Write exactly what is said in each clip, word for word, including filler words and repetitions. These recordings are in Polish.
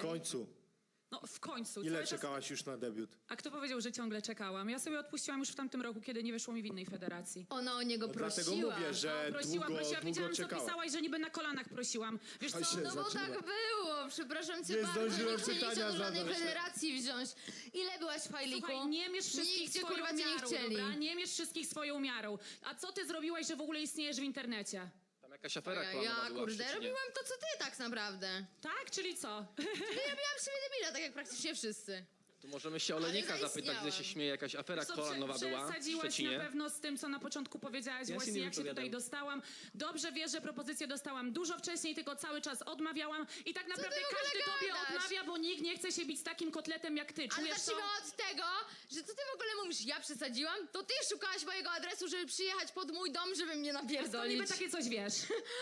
okej. W końcu. No w końcu. Ile cały czas- czekałaś już na debiut? A kto powiedział, że ciągle czekałam? Ja sobie odpuściłam już w tamtym roku, kiedy nie wyszło mi w innej federacji. Ona o niego No prosiła. dlatego mówię, że No, prosiła, długo, prosiła, długo widziałam, co czekała. pisałaś, że niby na kolanach prosiłam. Wiesz A co? się No bo zaczyna. tak było, przepraszam cię Nie bardzo, zdążyłem nikt cię nie pytania chciał do żadnej zadać. federacji wziąć. Ile byłaś w Fajliku? Słuchaj, nie mierz wszystkich Nikt cię swoją kurwa cię nie miarą, chcieli. dobra? Nie mierz wszystkich swoją miarą. A co ty zrobiłaś, że w ogóle istniejesz w internecie? Tam jakaś afera Ja, klanowa ja była w kurde, Szczecinie. robiłam to co ty tak naprawdę. Tak, czyli co? Ja miałam w siebie debila, tak jak praktycznie wszyscy. Tu możemy się Olenika Ale zapytać, gdzie się zaistniałam. śmieje, jakaś afera Co, klanowa prze- była w Przesadziłaś na Szczecinie. pewno z tym, co na początku powiedziałaś, Ja się właśnie nie jak się tutaj wypowiadam. dostałam. Dobrze wiesz, że propozycję dostałam dużo wcześniej, tylko cały czas odmawiałam. I tak naprawdę ty w ogóle każdy tobie gadasz? odmawia, bo nikt nie chce się bić z takim kotletem jak ty. Ale Czujesz to? zacznijmy od tego, że co ty w ogóle mówisz, ja przesadziłam? To ty szukałaś mojego adresu, żeby przyjechać pod mój dom, żeby mnie To napierdolić. niby takie coś wiesz.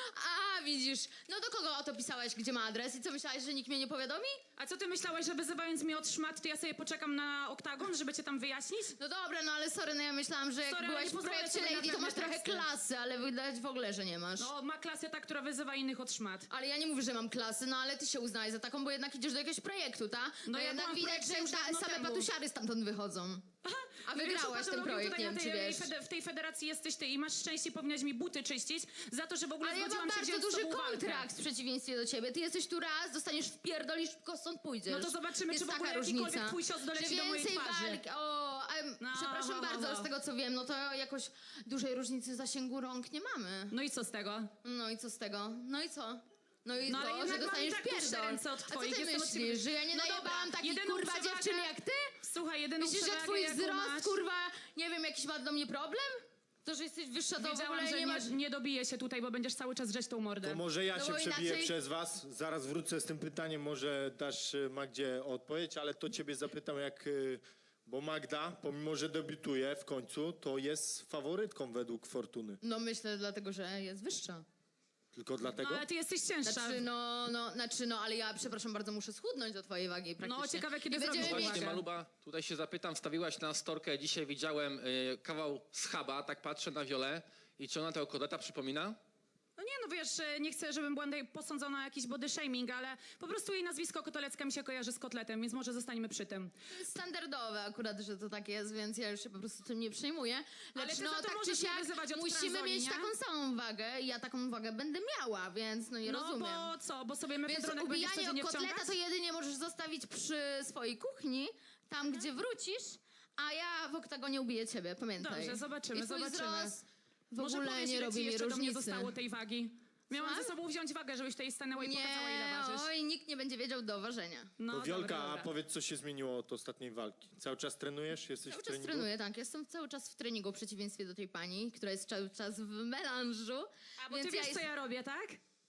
A, widzisz. No do kogo o to pisałaś, gdzie ma adres i co myślałaś, że nikt mnie nie powiadomi? A co ty myślałeś, że wyzywając mnie od szmat, to ja sobie poczekam na oktagon, żeby cię tam wyjaśnić? No dobra, no ale sorry, no ja myślałam, że jak Sorry, ale byłaś nie w pozwolę projekcie sobie na Lady, to pewne masz trochę teksty. klasy, ale widać w ogóle, że nie masz. No, ma klasę ta, która wyzywa innych od szmat. Ale ja nie mówię, że mam klasy, no ale ty się uznaj za taką, bo jednak idziesz do jakiegoś projektu, ta? No No ja jednak byłam w widać, projekcie że już ta, dawno same temu. patusiary stamtąd wychodzą. A wygrałaś ten projekt, nie wiem, czy tej, wiesz. fede- w tej federacji jesteś ty i masz szczęście, powinnaś mi buty czyścić za to, że w ogóle Ale ja mam zgodziłam się bardzo wziąć z duży tobą walkę. kontrakt w przeciwieństwie do ciebie. Ty jesteś tu raz, dostaniesz wpierdolisz, tylko stąd pójdziesz. No to zobaczymy, Jest czy w ogóle taka jakikolwiek różnica. twój cios doleci Że do mojej więcej twarzy. walk, o, em, No, przepraszam no, no, bardzo, no. z tego co wiem, no to jakoś dużej różnicy zasięgu rąk nie mamy. No i co z tego? No i co z tego? No i co? No i No ale to, jednak że mam dostaniesz i tak dłuższe pierdol. ręce od A co twoich, ty jestem od ciebie- myślisz, że ja nie No najebałam dobra, takich jedyną kurwa przewagę- dziewczyn jak ty? Słuchaj, jedyną Myślisz, że przewagę, twój jaką wzrost, masz, kurwa, nie wiem, jakiś ma do mnie problem? To, że jesteś wyższa, to w wiedziałam, ogóle że nie nie, masz... nie dobiję się tutaj, bo będziesz cały czas drzeć tą mordę. To może ja No się bo przebiję inaczej- przez was. Zaraz wrócę z tym pytaniem, może dasz y, Magdzie odpowiedź, ale to ciebie zapytam jak... y, Bo Magda, pomimo że debiutuje w końcu, to jest faworytką według Fortuny. No myślę dlatego, że jest wyższa. Tylko No dlatego? ale ty jesteś cięższa. Znaczy no, no, znaczy no, ale ja przepraszam bardzo, muszę schudnąć do twojej wagi praktycznie. No, ciekawe, kiedy I będziemy zrobisz mieć... Właśnie, uwagę. Maluba, tutaj się zapytam, wstawiłaś na storkę, dzisiaj widziałem y, kawał schaba, tak patrzę na Wiolę i czy ona tego kodeta przypomina? No nie, no wiesz, e, nie chcę, żebym była tutaj posądzona o jakiś body shaming, ale po prostu jej nazwisko Kotelecka mi się kojarzy z kotletem, więc może zostaniemy przy tym. To jest standardowe akurat, że to tak jest, więc ja już się po prostu tym nie przejmuję. Ale Lecz ty no za to tak czy możesz mnie siak wyzywać od musimy transoli, mieć nie? taką samą wagę i ja taką wagę będę miała, więc no nie No rozumiem. bo co, bo sobie Więc mefedronek będziesz ubijanie codziennie o kotleta wciągać? to jedynie możesz zostawić przy swojej kuchni, tam gdzie wrócisz, a ja w oktagonie ubiję ciebie, pamiętaj. Dobrze, zobaczymy, I twój zobaczymy. wzrost w Może ogóle powiedz, nie ile robi ci mi jeszcze do mnie różnicy. zostało tej wagi? Miałam Słucham? ze sobą wziąć wagę, żebyś tutaj stanęła i pokazała, ile Nie, ważysz. oj, nikt nie będzie wiedział do ważenia. No, To Wiolka, dobra, a dobra. powiedz co się zmieniło od ostatniej walki. Cały czas trenujesz? Jesteś Cały w czas treningu? trenuję, tak. Jestem cały czas w treningu, w przeciwieństwie do tej pani, która jest cały czas w melanżu. A, bo więc ty wiesz, ja co jest... ja robię, tak?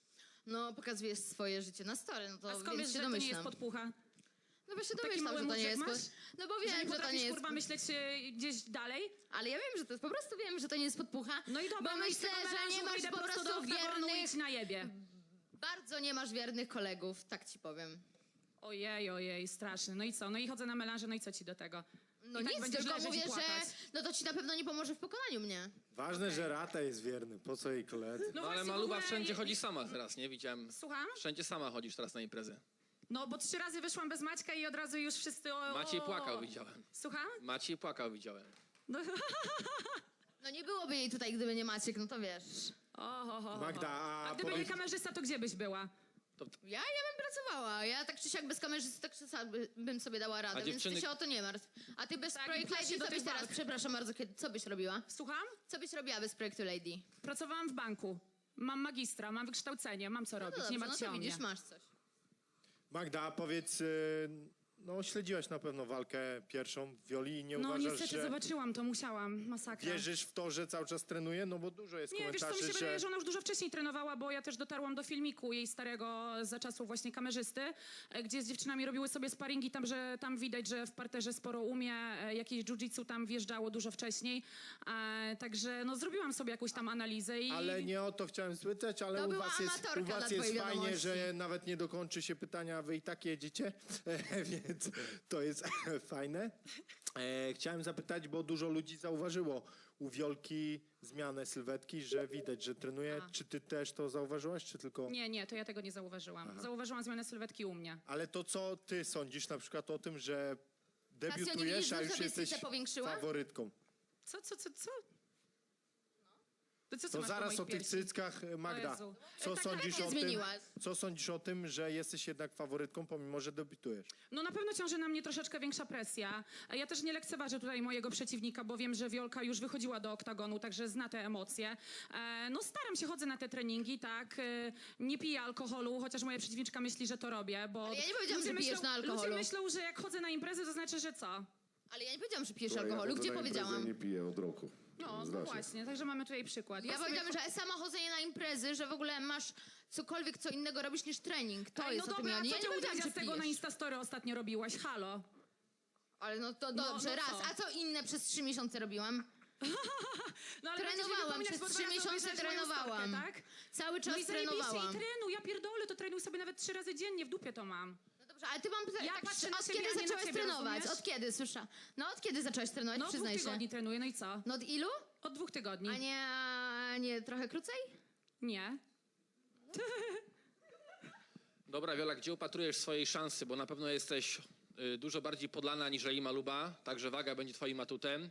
No, pokazujesz swoje życie na story, no to A skąd wiesz, więc się że to nie jest domyślam. podpucha? No bo się Taki domyślam, mały że to nie mózg jest... masz? Pod... No bo Że wiem, nie że to potrafisz, nie jest... kurwa, myśleć e, gdzieś dalej? Ale ja wiem, że to jest... Po prostu wiem, że to nie jest podpucha. No i dobra, bo no i z myślę, tego że nie melanżu masz idę po prosto do prostu oktagonu i wiernych... ci najebie. Bardzo nie masz wiernych kolegów, tak ci powiem. Ojej, ojej, straszny. No i co? No i chodzę na melanże, no i co ci do tego? No I tak nic, będziesz tylko leżeć i mówię, płakać. że no to ci na pewno nie pomoże w pokonaniu mnie. Ważne, Okej. że Rata jest wierny. Po co jej koledzy? No, ale właśnie w Maluba ogóle wszędzie je- chodzi sama teraz, nie? Widziałem. Słucham? Wszędzie sama chodzisz teraz na imprezy. No bo trzy razy wyszłam bez Maćka i od razu już wszyscy... O, Maciej o- płakał, widziałem. Słucham? Maciej płakał, widziałem. No, No nie byłoby jej tutaj, gdyby nie Maciek, no to wiesz. o, ho, ho, ho. Magda, a a gdyby nie powiedz- kamerzysta, to gdzie byś była? To, Ja, ja bym pracowała. Ja tak czy siak bez kamerzysty tak czy siak by- bym sobie dała radę, A więc dziewczyny- ty się o to nie martw. A ty bez Tak, i projektu pchać się Lady, do co tych byś teraz, walk. przepraszam bardzo, kiedy, co byś robiła? Słucham? Co byś robiła bez projektu Lady? Pracowałam w banku. Mam magistra, mam wykształcenie, mam co No robić, to dobrze, nie no martw się to o mnie. widzisz, masz coś. Magda, a powiedz, y, no śledziłaś na pewno walkę pierwszą w Wioli i nie No uważasz, niestety że zobaczyłam to, musiałam, masakra. wierzysz w to, że cały czas trenuje? No bo dużo jest Nie, wiesz co, mi komentarzy, się wydaje, że... że ona już dużo wcześniej trenowała, bo ja też dotarłam do filmiku jej starego za czasów właśnie kamerzysty, e, gdzie z dziewczynami robiły sobie sparingi, tam, że tam widać, że w parterze sporo umie, e, jakieś jiu-jitsu tam wjeżdżało dużo wcześniej, e, także no zrobiłam sobie jakąś tam analizę i... Ale nie o to chciałem spytać, ale To u była was jest, amatorka u was dla jest twojej fajnie, wiadomości. że nawet nie dokończy się pytania, a wy i tak jedziecie. Więc Więc to jest fajne. E, chciałem zapytać, bo dużo ludzi zauważyło u Wiolki zmianę sylwetki, że widać, że trenuje. A. Czy ty też to zauważyłaś, czy tylko... Nie, nie, to ja tego nie zauważyłam. Zauważyłam zmianę sylwetki u mnie. Ale to, co ty sądzisz na przykład o tym, że Kasio, nie debiutujesz, widzisz, a że już sobie jesteś cycę powiększyła? faworytką. Co, co, co, co? To co, co To masz po zaraz moich o tych piersi? cyckach, Magda. Jezu. Co Tak, sądzisz tak o nie tym, zmieniłaś. co sądzisz o tym, że jesteś jednak faworytką, pomimo że debiutujesz? No na pewno ciąży na mnie troszeczkę większa presja. Ja też nie lekceważę tutaj mojego przeciwnika, bo wiem, że Wiolka już wychodziła do oktagonu, także zna te emocje. E, no staram się, chodzę na te treningi, tak. E, nie piję alkoholu, chociaż moja przeciwniczka myśli, że to robię, bo... Ale ja nie powiedziałam, ludzie że pijesz myślą, na alkoholu. Ludzie myślą, że jak chodzę na imprezy, to znaczy, że co? Ale ja nie powiedziałam, że pijesz Słuchaj, ja alkoholu. chodzę Gdzie na imprezę powiedziałam? i nie piję od roku. No, no Znacie. właśnie, także mamy tutaj przykład. Ja sobie- powiedziałam, że sama chodzenie na imprezy, że w ogóle masz cokolwiek, co innego robisz niż trening. To Ej, jest no o tym dobra, ja a nie. co Ja ty nie powiedziałam, udział że z tego na pijesz. Instastory ostatnio robiłaś? Halo? Ale no to No, dobrze, no raz. co? A co inne przez trzy miesiące robiłam? No, ale Trenowałam, będziesz mi przez wypominać, bo trzy dwa razy miesiące obejrzeć moją trenowałam. Storkę, tak? Cały czas No i zajebiście, trenowałam. i trenuj, ja pierdolę, to trenuj sobie nawet trzy razy dziennie, w dupie to mam. No dobrze, ale ty mam pytanie, Ja tak, patrzę na od siebie, kiedy a nie na zaczęłaś ciebie, trenować? rozumiesz? Od kiedy, słysza? No od kiedy zaczęłaś trenować, No od dwóch przyznaj się. tygodni trenuję, no i co? No od ilu? Od dwóch tygodni. A nie, a nie trochę krócej? Nie. Dobra, Wiola, gdzie upatrujesz swojej szansy? Bo na pewno jesteś y, dużo bardziej podlana niżeli Maluba, także waga będzie twoim atutem.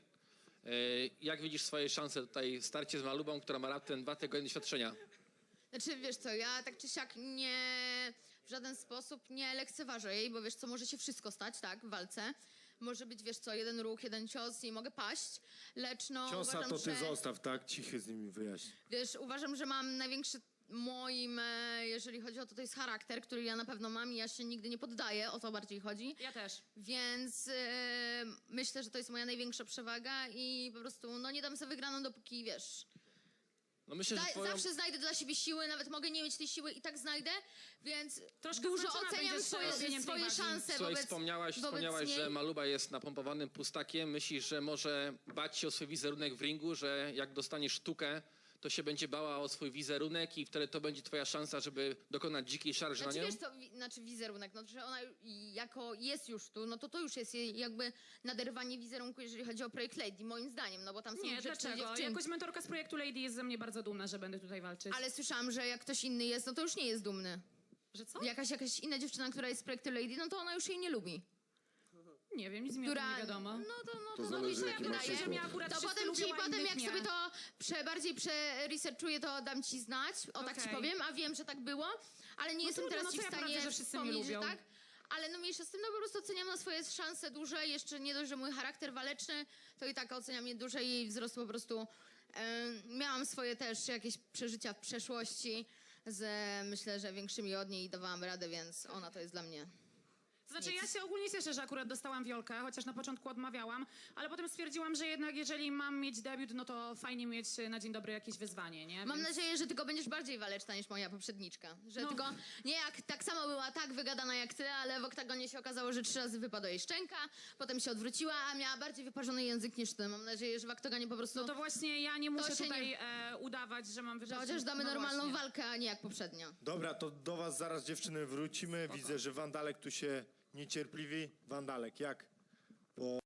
Y, jak widzisz swoje szanse tutaj w starcie z Malubą, która ma raptem dwa tygodnie doświadczenia? Znaczy, wiesz co, ja tak czy siak nie, w żaden sposób nie lekceważę jej, bo wiesz co, może się wszystko stać, tak, w walce. Może być, wiesz co, jeden ruch, jeden cios i mogę paść, lecz no Ciosa uważam, to ty że, zostaw, tak? Cichy z nimi wyjaśnij. wiesz, uważam, że mam największy moim, e, jeżeli chodzi o to, to jest charakter, który ja na pewno mam i ja się nigdy nie poddaję, o to bardziej chodzi. Ja też. Więc e, myślę, że to jest moja największa przewaga i po prostu, no nie dam sobie wygraną, dopóki, wiesz... No myślę, że Da, twoją... Zawsze znajdę dla siebie siły, nawet mogę nie mieć tej siły i tak znajdę, więc Troszkę dużo zmęczona oceniam będziesz swoje, robieniem tej swoje wagi. szanse Słuchaj, wobec, wspomniałaś, wobec wspomniałaś niej. że Maluba jest napompowanym pustakiem. Myślisz, że może bać się o swój wizerunek w ringu, że jak dostaniesz sztukę, to się będzie bała o swój wizerunek i wtedy to będzie twoja szansa, żeby dokonać dzikiej szarży Znaczy na nią? wiesz co, wi- znaczy wizerunek, no że ona jako jest już tu, no to to już jest jej jakby naderwanie wizerunku, jeżeli chodzi o projekt Lady, moim zdaniem, no bo tam są Nie, grzeczne dlaczego? dziewczynki. Jakoś mentorka z projektu Lady jest ze mnie bardzo dumna, że będę tutaj walczyć. Ale słyszałam, że jak ktoś inny jest, no to już nie jest dumny. Że co? Jakaś, jakaś inna dziewczyna, która jest z projektu Lady, no to ona już jej nie lubi. Nie wiem, nic mi o tym Która, nie wiadomo. no to, no to, To no zależy, mi się jaki masz wydaje. skład. Ja akurat To wszyscy potem ci, lubią, a potem innych jak nie. sobie to prze, bardziej przeresearchuję, to dam ci znać, o tak ci Okej. powiem, a wiem, że tak było, ale nie No jestem trudno, teraz no ci co w ja stanie poradzę, że wszyscy mnie wspomnieć, że lubią. tak. Ale no mniejsza z tym, no po prostu oceniam na swoje szanse duże, jeszcze nie dość, że mój charakter waleczny, to i tak oceniam je duże i jej wzrost po prostu. E, miałam swoje też jakieś przeżycia w przeszłości z, myślę, że większymi od niej i dawałam radę, więc ona to jest dla mnie. Znaczy ja się ogólnie cieszę, że akurat dostałam Wiolkę, chociaż na początku odmawiałam, ale potem stwierdziłam, że jednak jeżeli mam mieć debiut, no to fajnie mieć na dzień dobry jakieś wyzwanie, nie? Mam Więc- nadzieję, że tylko będziesz bardziej waleczna niż moja poprzedniczka. Że No. tylko nie jak tak samo była tak wygadana jak ty, ale w oktagonie się okazało, że trzy razy wypadła jej szczęka, potem się odwróciła, a miała bardziej wyparzony język niż ty. Mam nadzieję, że w oktagonie po prostu No to właśnie ja nie muszę się tutaj nie- e, udawać, że mam że wyżej. chociaż damy no normalną właśnie. walkę, a nie jak poprzednio. Dobra, to do was zaraz dziewczyny wrócimy. Widzę, że Wandalek tu się niecierpliwi. Wandalek, jak? Po